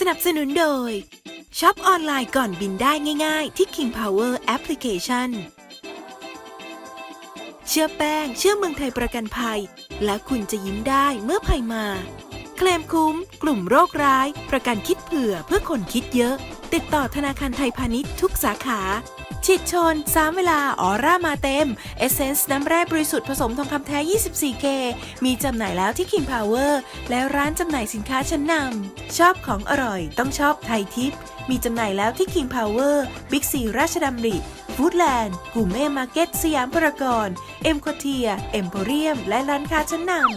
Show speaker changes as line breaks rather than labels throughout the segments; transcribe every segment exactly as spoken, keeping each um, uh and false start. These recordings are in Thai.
สนับสนุนโดยช็อปออนไลน์ก่อนบินได้ง่ายๆที่ King Power Application เชื่อแป้งเชื่อเมืองไทยประกันภัยและคุณจะยิ้มได้เมื่อภัยมาเคลมคุ้มกลุ่มโรคร้ายประกันคิดเผื่อเพื่อคนคิดเยอะติดต่อธนาคารไทยพาณิชย์ทุกสาขาฉีดชนสามเวลาออร่ามาเต็มเอเซนส์น้ำแร่บริสุทธิ์ผสมทองคำแท้ ยี่สิบสี่เค มีจำหน่ายแล้วที่ King Power และร้านจำหน่ายสินค้าชั้นนำชอบของอร่อยต้องชอบไทยทิพย์มีจำหน่ายแล้วที่ King Power บิ๊กซีราชดำริฟู้ดแลนด์กูเม่มาร์เก็ตสยามพารากอนเอ็มโคเทียเอ็มโพเรียมและร้านค้าชั้นนำ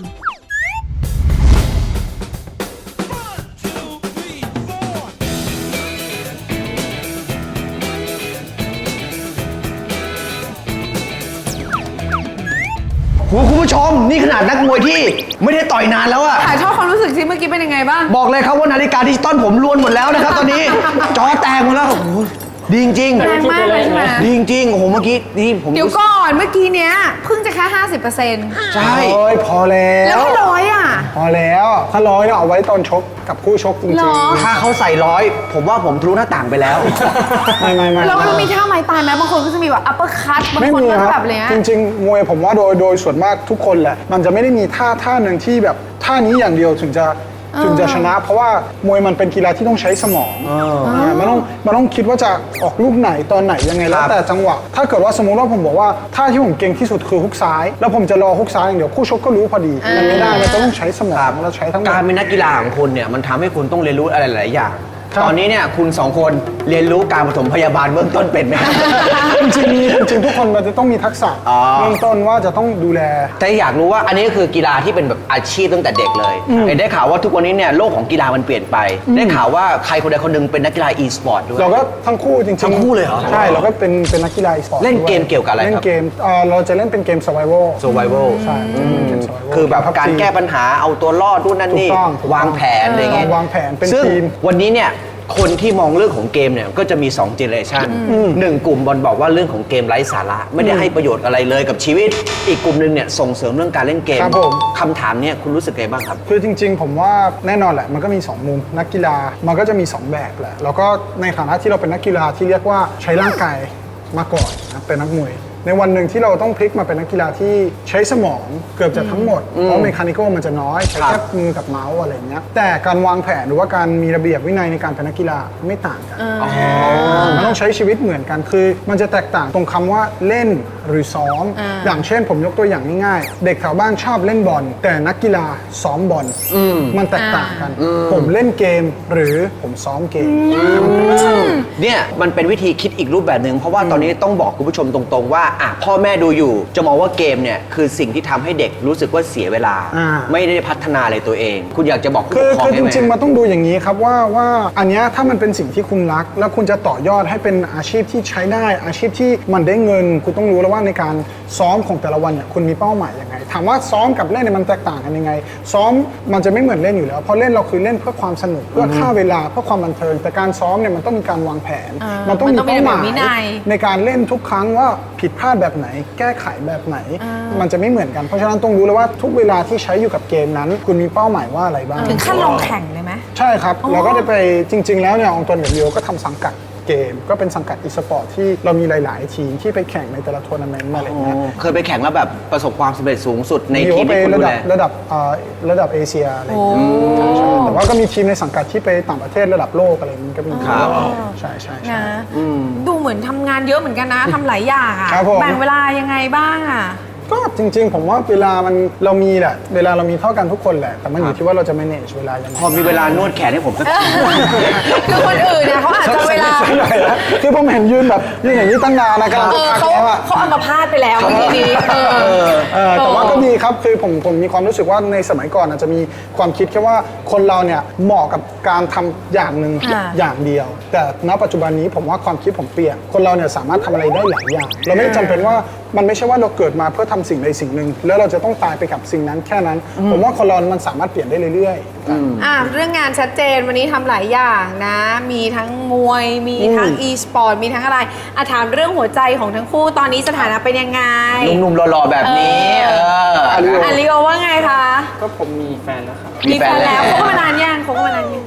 คุณผู้ชมนี่ขนาดนักมวยที่ไม่ได้ต่อยนานแล้วอะ
ถ่ายทอดความรู้สึกสิเมื่อกี้เป็นยังไงบ้าง
บอกเลยครับว่านาฬิกาดิจิตอลผมล้วนหมดแล้วนะครับตอนนี้ จอแตกหมดแล้วโอ้โหดีจริง
แรงมากเลยใช่ไหม
ดีจริงโอ้โหเมื่อกี้นี่ผม
เดี๋ยวก่อนเมื่อกี้เนี้ยเพิ่งจะแค่ห้าสิบเปอร์เซ็นต์
ใช่
โอ้ยพอแล้ว
แล้วก็ร้อยอ่ะ
พอแล้วถ้าร้อยเนี่ยเอาไว้ตอนชกกับคู่ชกจริง
หรอ
ๆ
ถ้าเขาใส่ร้อยผมว่าผมทะลุหน้าต่างไปแล้ว
ไม่ไม่ไม่
แล้วมันมีท่าไม้ตายไหมบางคนก็จะมีแบบอัปเปอร์คัตบาง
ไม่
คน
มี
ก็
ค
แบ
รับบ
อะไรเงี้ย
จริงๆมวยผมว่าโดยโดยส่วนมากทุกคนแหละมันจะไม่ได้มีท่าท่าหนึ่งที่แบบท่านี้อย่างเดียวถึงจะถึงจะชนะ เพราะว่ามวยมันเป็นกีฬาที่ต้องใช้สมองเนี่ยมันต้องมันต้องคิดว่าจะออกลูกไหนตอนไหนยังไงแล้วแต่จังหวะถ้าเกิดว่าสมมุติว่าผมบอกว่าท่าที่ผมเก่งที่สุดคือฮุกซ้าย แล้วผมจะรอฮุกซ้ายอย่างเดียวคู่ชกก็รู้พอดีมันไม่ได้มันต้องใช้สมองแล้วใช้ทั้งหมด
การเป็นนักกีฬาของคุณเนี่ยมันทำให้คุณต้องเรียนรู้อะไรหลายๆอย่าง
ครับ
ตอนนี้เนี่ยคุณสองคนเรียนรู้การปฐมพยาบาลเบื้องต้นเป็นไหม
จริงๆมีจริงๆทุกคนมันจะต้องมีทักษะ
อ๋อ
เบื้องต้นว่าจะต้องดูแล
แต่อยากรู้ว่าอันนี้ก็คือกีฬาที่เป็นแบบอาชีพตั้งแต่เด็กเลยเห็นได้ข่าวว่าทุกวันนี้เนี่ยโลกของกีฬามันเปลี่ยนไป ได้ข่าวว่าใครคนใดคนหนึ่งเป็นนักกีฬา e-sport ด้วย
เราก็ทั้งคู่จริงๆ
ทั้งคู่เลยเหรอ
ใช่เราก็เป็นเป็นนักกีฬาอีสปอร์ต
เล่นเกมเกี่ยวกับอะไรครับ
เล่นเกมเอ่อเราจะเล่นเป็นเกม survival
survival
ใช่จะเป็นเกม survival
คือแบบการแก้ปัญหาเอาตัวรอดนู่นนั่นนี่
ถูกต้องถูกต้อง
วางแผนอะไรเงี้ย
วางแผนเป็น
ซึ่ง
ทีม
วันนี้เนี่ยคนที่มองเรื่องของเกมเนี่ยก็จะมี2เจเนอเรชันหนึ่งกลุ่มบอลบอกว่าเรื่องของเกมไร้สาระไม่ได้ให้ประโยชน์อะไรเลยกับชีวิต อีกกลุ่มหนึงเนี่ยส่งเสริมเรื่องการเล่นเกม
ครับผม
คำถามเนี่ยคุณรู้สึกไงบ้างครับ
คือจริงๆ ผมว่าแน่นอนแหละมันก็มี สอง มุมนักกีฬามันก็จะมี สอง แบบแหละแล้วก็ในฐานะที่เราเป็นนักกีฬาที่เรียกว่าใช้ร่างกายมาก่อนนะเป็นนักมวยในวันหนึ่งที่เราต้องพลิกมาเป็นนักกีฬาที่ใช้สมองเกือบจะทั้งหมดเพราะเมคานิคอลมันจะน้อยใช้
ครั
แค่
บ
มือกับเมาส์อะไรอย่างเงี้ยแต่การวางแผนหรือว่าการมีระเบียบวินัยในการเป็นนักกีฬาไม่ต่างกันมันต้องใช้ชีวิตเหมือนกันคือ มันจะแตกต่างตรงคำว่าเล่นหรือซ้อม อย่างเช่นผมยกตัวอย่างง่ายๆเด็กแถวบ้านชอบเล่นบอลแต่นักกีฬาซ้อมบอลมันแตกต่างกัน ผมเล่นเกมหรือผมซ้อมเกม
เนี่ยมันเป็นวิธีคิดอีกรูปแบบหนึ่งเพราะว่าตอนนี้ต้องบอกคุณผู้ชมตรงๆว่าอ่ะพ่อแม่ดูอยู่จะมองว่าเกมเนี่ยคือสิ่งที่ทำให้เด็กรู้สึกว่าเสียเวลา
อ่า
ไม่ได้พัฒนาอะไรตัวเอง คุณอยากจะบอกผู้
คื
ป
อก
ครอง
คือ
ได้
จ
ไหม
ริงๆมันต้องดูอย่างนี้ครับว่าว่าอันเนี้ยถ้ามันเป็นสิ่งที่คุณรัก แล้วคุณจะต่อยอดให้เป็นอาชีพที่ใช้ได้ อาชีพที่มันได้เงิน คุณต้องรู้แล้วว่าในการซ้อมของแต่ละวันเนี่ยคุณมีเป้าหมายยังไงถามว่าซ้อมกับเล่นเนี่ยมันแตกต่างกันยังไง ซ้อมมันจะไม่เหมือนเล่นอยู่แล้วเพราะเล่นเราคือเล่นเพื่อความสนุกเพื่อฆ่าเวลาเพื่อความบันเทิงแต่การซ้อมเนี่ยมันต้องมีการวางแผน
อ่ามั
มันต้องมีเป้าหมาย
มันต้องมีระเบียบวินัย
ในการเล่นทุกครั้งว่าผิดพลาดแบบไหน แก้ไขแบบไหน มันจะไม่เหมือนกันเพราะฉะนั้นต้องรู้เลยว่าทุกเวลาที่ใช้อยู่กับเกมนั้น คุณมีเป้าหมายว่าอะไรบ้าง
ถึงขั้นลงแข่งเลยไหม
ใช่ครับ เราก็ได้ไปจริง ๆ แล้วเนี่ยองตวนกับโยก็ทำสังกัดเกม ก็เป็นสังกัดอีสปอร์ตที่เรามีหลาย ๆ ทีมที่ไปแข่งในแต่ละทัวร์นาเมนต์อะไรอย่างเงี้ย
เคยไปแข่งแล้วแบบประสบความสำเร็จสูงสุดใน
โย
ทีม
ไป
ที่คุณ
ระ
ดู
ดั
แล
บระดับเอ่อระดับเอเชียอะไรอย่างเงี้ยใช่ใช่แต่ว่าก็มีทีมในสังกัดที่ไปต่างประเทศระดับโลกอะไรอย่างเงี้ยก็มี
ครับ
ใช่ใช่ใช่
นะดูเหมือนทำงานเยอะเหมือนกันนะทำหลายอย่างอ่ะ
ครับผม
แบ่งเวลายังไงบ้างอ่ะ
ก็จริง ๆ ผมว่าเวลามันเรามีแหละเวลาเรามีเท่ากันทุกคนแหละแต่มันอยู่ที่ว่าเราจะ manage เวลายังไง
พอมีเวลานวดแขนให้ผมสักที
คือคนอื่นเนี่ยเขาอาจจะเวลา
ไม่ได้นะคือผมเห็นยืนแบบยืนอย่างนี้ตั้งนานนะกำลัง
เออ
พัก
เขา
แล้วอะ
เขาเอามาพาดไปแล้วเมื่อกี้นี้เออ
เออแต่ว่าก็ดีครับคือผมผมมีความรู้สึกว่าในสมัยก่อนอาจจะมีความคิดแค่ว่าคนเราเนี่ยเหมาะกับการทำอย่างหนึ่ง
อ่า
อย่างเดียว แต่ณปัจจุบันนี้ผมว่าความคิดผมเปลี่ยนคนเราเนี่ยสามารถทำอะไรได้หลายอย่าง เราไม่ได้จำเป็นว่ามันไม่ใช่ว่าเราเกิดมาเพื่อทำสิ่งใดสิ่งหนึ่งแล้วเราจะต้องตายไปกับสิ่งนั้นแค่นั้น ผมว่าคนเรามันสามารถเปลี่ยนได้เรื่อยๆ
อ่ะเรื่องงานชัดเจนวันนี้ทำหลายอย่างนะ มีทั้งมวย มีทั้ง e-sport มีทั้งอะไรอ่ะถามเรื่องหัวใจของทั้งคู่ตอนนี้สถานะเป็นยังไง
หนุ่มๆหล่อๆแบบนี้
เอ
เออ
อาริโอ
อาริโอว่าไงคะ
ก็ผมมีแฟนแล้วครับ
มีแฟนแล้วคบกันมานานยังคบกันมานานยัง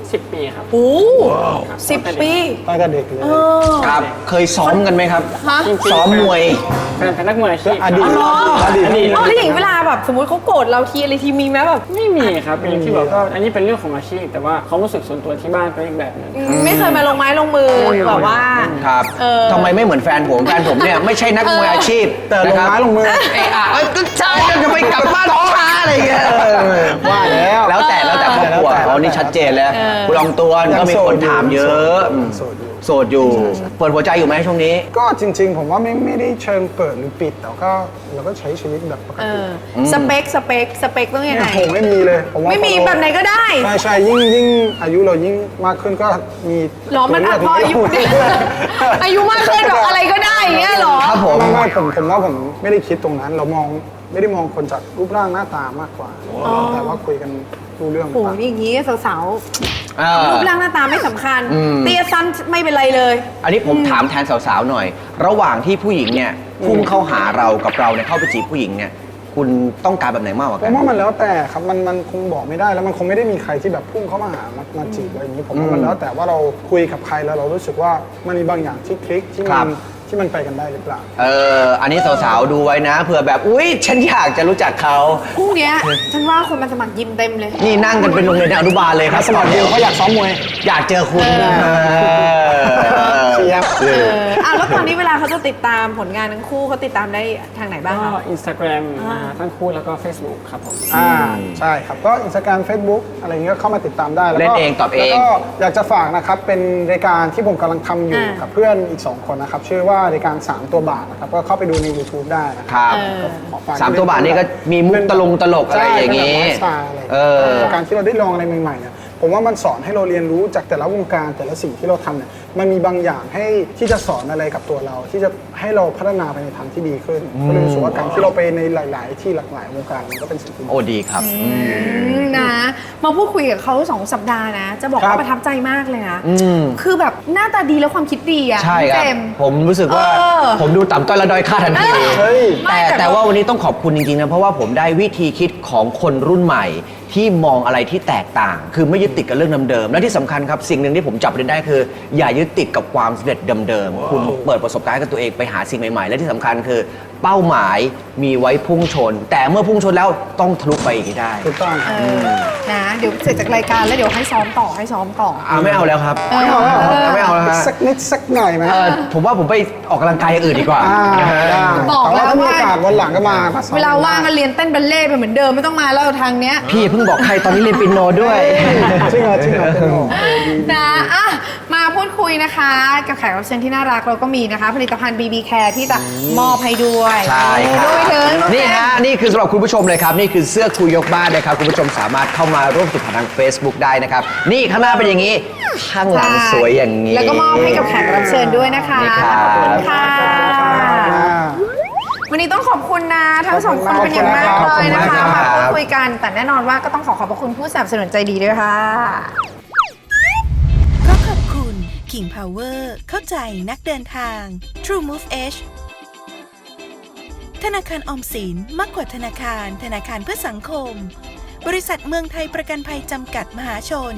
สิบปีครับ
โอ้สิบปี
ตั้งแต่เด็กเลย
เออ
ครับ เคยซ้อมกันไหมครับ
ฮะ
ซ้อมมวย
เป็นเป็นนักมวยอาชีพ
อดีต
อ๋อ
อดีต
อดีต
อ๋อแล้วอย่างเวลาแบบสมมติเขาโกรธเราทีอะไรทีมีไหมแบบ
ไม่มีครับเป็นที่แบบก็อันนี้เป็นเรื่องของอาชีพ แต่ว่าความรู้สึกส่วนตัวที่บ้านเป็นอีกแบบหนึง
ไม่เคยมาลงไม้ลงมือแบบว่า
ครับ
เออ
ทำไมไม่เหมือนแฟนผม แฟนผมเนี่ยไม่ใช่นักมวยอาชีพ
แต่ลงไม้
นะครับ
ลงมือ
เอะอะเอ้ยก็ใช่จะไปกลับบ้านช้าอะไรเงี้ย
ว่าแล้ว
แล้วแต่แล้วแต่ครอบครัว
แล้วแต่
เขานี่ชัดเจนเลยคุณลองตัวก็มีคนถามเยอะอืม
โสดอยู่
โสดอยู่ เปิดหัวใจอยู่ไหมช่วงนี้
ก็จริง ๆ ผมว่าไม่ไม่ได้เชิงเปิดหรือปิดแต่ก็เราก็ใช้ชีวิตแบบปก
เอ
ติ
อสเปคสเปคสเปคต้องยังไง
ผมไม่มีเลยผมว่า
ไม่มี
พอเรา
แบบไหนก็ได้
ใช่ใช่ยิ่งยิ่งอายุเรายิ่งมากขึ้นก็มี
หรอมัน
ตัว
อ่ะพออายุ
เลืก
อายุมากขึ้นแบบอะไรก็ได้อย่างเงี้ยเหรอ
ครับผม
ไม่ไม่ผมผมว่าผมไม่ได้คิดตรงนั้น เรามองไม่ได้มองคนจากรูปร่างหน้าตามากกว่า แต่ว่าคุยกันรู้เรื่อง
โอ้โห
ต่าง
อย่างงี้สาว
อ่า
ๆรูปร่างหน้าตาไม่สำคัญ
อืม
เตี้ยสั้นไม่เป็นไรเลย
อันนี้ผมถามแทนสาวๆหน่อย ระหว่างที่ผู้หญิงเนี่ยพุ่งเข้าหาเรากับเราเนี่ยเข้าไปจีบผู้หญิงเนี่ยคุณต้องการแบบไหนมากกว่า
ผ
กัน
มว่ามันแล้วแต่ครับมันมันคงบอกไม่ได้แล้วมันคงไม่ได้มีใครที่แบบพุ่งเข้ามาหามามาจีบอะไรอย่างนี้ผมว่ามันแล้วแต่ว่าเราคุยกับใครแล้วเรารู้สึกว่ามันมีบางอย่างที่คลิกที่มันที่มันไปกันได้หรือเปล่า
เอออันนี้สาวๆดูไว้นะเผื่อแบบอุ๊ยฉันอยากจะรู้จักเขา
พรุ่งเนี้ยฉันว่าคนมาสมัครยิมเต็มเลย
นี่นั่งกันเป็นโรงเรียนอนุบาลเลยครับ
สมัครเดียวเขาอยากซ้อมมวย
อยากเจอคุณ
เออ
เชียบ
เอ
เอ
อ
ออ่ะแล้วตอนนี้เวลาเขาจะติดตามผลงานทั้งคู่เขาติดตามได้ทางไหนบ้าง
ก็
คะ
อินสตาแกรมทั้งคู่แล้วก็ Facebook ครับผม
อ่าใช่ครับก็อินสตาแกรมเฟซบุ๊กอะไรเงี้ยก็เข้ามาติดตามได้แล้วก็
เล่นเองตอบเอง
แล้วก็อยากจะฝากนะครับเป็นรายการที่ผมกำลังทำอยู่
อ่ากั
กับเพื่อนอีกสองคนนะครับชื่อว่ารายการสามตัวบาทนะครับก็เข้าไปดูใน YouTube ได้นะค
ครับ รับ
เออ
ขอฝก
สามตัวบาทนี่ก็มีมุกตลงตลกอะไรอย่างงี้
ใช่เป็นแบบไลฟ์สไตล์อะไร
เออ
แต่การที่เราได้ลองอะไรใหม่ๆเนี่ยผมว่ามันสอนให้เราเรียนรู้จากแต่ละวงการแต่ละสิ่งที่เราทำเนี่ยมันมีบางอย่างให้ที่จะสอนอะไรกับตัวเรา ที่จะให้เราพัฒนาไปในทางที่ดีขึ้นก็เลยรู้สึกว่าการที่เราไปในหลาย ๆ ที่หลากหลายวงการมันก็เป็นสิ่งที่ดี
โอ้ดีครับ
อืมนะมาพูดคุยกับเขาสองสัปดาห์นะ จะบอก
ครั
ว่า
บ
ประทับใจมากเลยนะ
อืม
คือแบบหน้าตาดีแล้วความคิดดีอะ
ใช่ครับ
เจมส์
ผมรู้สึกว่า
เออ
ผมดูต่ำต้อยและด้อยค่าทันที
เฮ้ย
ไม่
แต่
แต่
แต่ว่าวันนี้ต้องขอบคุณจริงๆนะเพราะว่าผมได้วิธีคิดของคนรุ่นใหม่ ที่มองอะไรที่แตกต่าง คือไม่ยึดติดกับเรื่องเดิมๆและที่สำคัญครับสิ่งหนึ่งที่ผมจับประเด็นได้คือ อย่ายึดติดกับความสำเร็จเดิมๆคุณเปิดประสบการณ์ให้กับตัวเองไปหาสิ่งใหม่ๆ และที่สำคัญคือเป้าหมายมีไว้พุ่งชน แต่เมื่อพุ่งชนแล้วต้องทะลุไปอีกให้ได้
ถูกต้อง
เออนะเดี๋ยวเสร็จจากรายการแล้วเดี๋ยวให้ซ้อมต่อให้ซ้อมต่อ
อ่าไม่เอาแล้วครับ
เออ
ไม่เอาแล้วฮะ
สักนิดสักหน่อยไหม
เออผมว่าผมไปออกกำลังกายอย่างอื่นดีกว่า
อ่า
นะฮะ
ได้
บอก
แต่
แล้
ว่าว ถ้ามี
ว่า
โอกาสวันหลังก็มามาซ้อม
เวลาว่างก็เรียนเต้นบัลเล่ต์ไปเหมือนเดิมไม่ต้องมาแล้วทางเนี้ย
พี่เพิ่งบอกใครตอนนี้เรียนปิโนด้วย
จริงเหรอจริงเหรอเป็นโอ้
นะอ่ะมาพูดคุยนะคะ กับแขกรับเชิญที่น่ารักเราก็มีนะคะ ผลิตภัณฑ์ บี บี Care ที่จะมอบให้ด้วย
ใช่ครับ
ด้วยถึงอง
นี่
แจ
ฮะนี่คือสำหรับคุณผู้ชมเลยครับ นี่คือเสื้อคุยยกบ้านนะครับ คุณผู้ชมสามารถเข้ามาร่วมสนุกผ่านทาง Facebook ได้นะครับ นี่ข้างหน้าเป็นอย่างนี้ ข้างหลังสวยอย่างนี้
แล้วก็มอบให้กับแขกรับเชิญด้วยนะคะ
นี่ครับ
ขอบคุณค่ะ วันนี้ต้องขอบคุณนะทั้งสองคนเป็นอย่างมากเลยนะคะ มาพูดคุยกัน แต่แน่นอนว่าก็ต้องขอขอบพระคุณผู้สนับสนุนใจดีด้วยค่ะ
ก็ขอบคุณ King Power เข้าใจนักเดินทาง True Move Edge ธนาคารออมสินมากกว่าธนาคาร ธนาคารเพื่อสังคม บริษัทเมืองไทยประกันภัยจำกัดมหาชน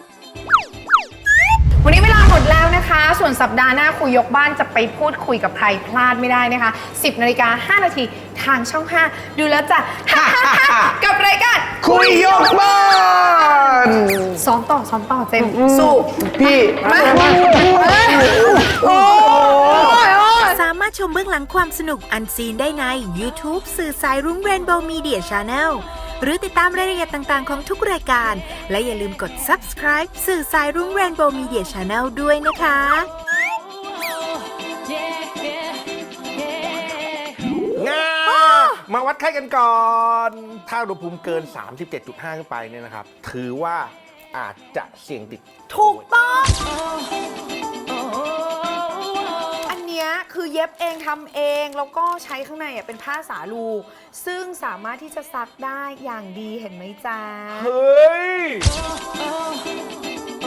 วันนี้เวลาหมดแล้วนะคะ ส่วนสัปดาห์หน้าคุยยกบ้านจะไปพูดคุยกับใครพลาดไม่ได้นะคะ สิบนาฬิกาห้านาทีทางช่องห้าดูแล้วจ้ะ กับรายการ
คุยยกบ้าน
ซ้อมต่อซ้อมต่อเจมส์สู้
พี่
มาโอ้ยโอ้ย
สามารถชมเบื้องหลังความสนุกอันซีนได้ใน YouTube สื่อสายรุ้ง Rainbow Media Channel หรือติดตามรายละเอียดต่างๆของทุกรายการ และอย่าลืมกด Subscribe สื่อสายรุ้ง Rainbow Media Channel ด้วยนะคะ
งามาวัดไข้กันก่อน ถ้าอุณหภูมิเกิน สามสิบเจ็ดจุดห้า ขึ้นไปเนี่ยนะครับ ถือว่าอาจจะเสี่ยงติด
ถูกต้อง อันเนี้ยคือเย็บเองทำเองแล้วก็ใช้ข้างในอ่ะเป็นผ้าสาลู ซึ่งสามารถที่จะซักได้อย่างดีเห็นไหมจ๊ะ
เฮ้ย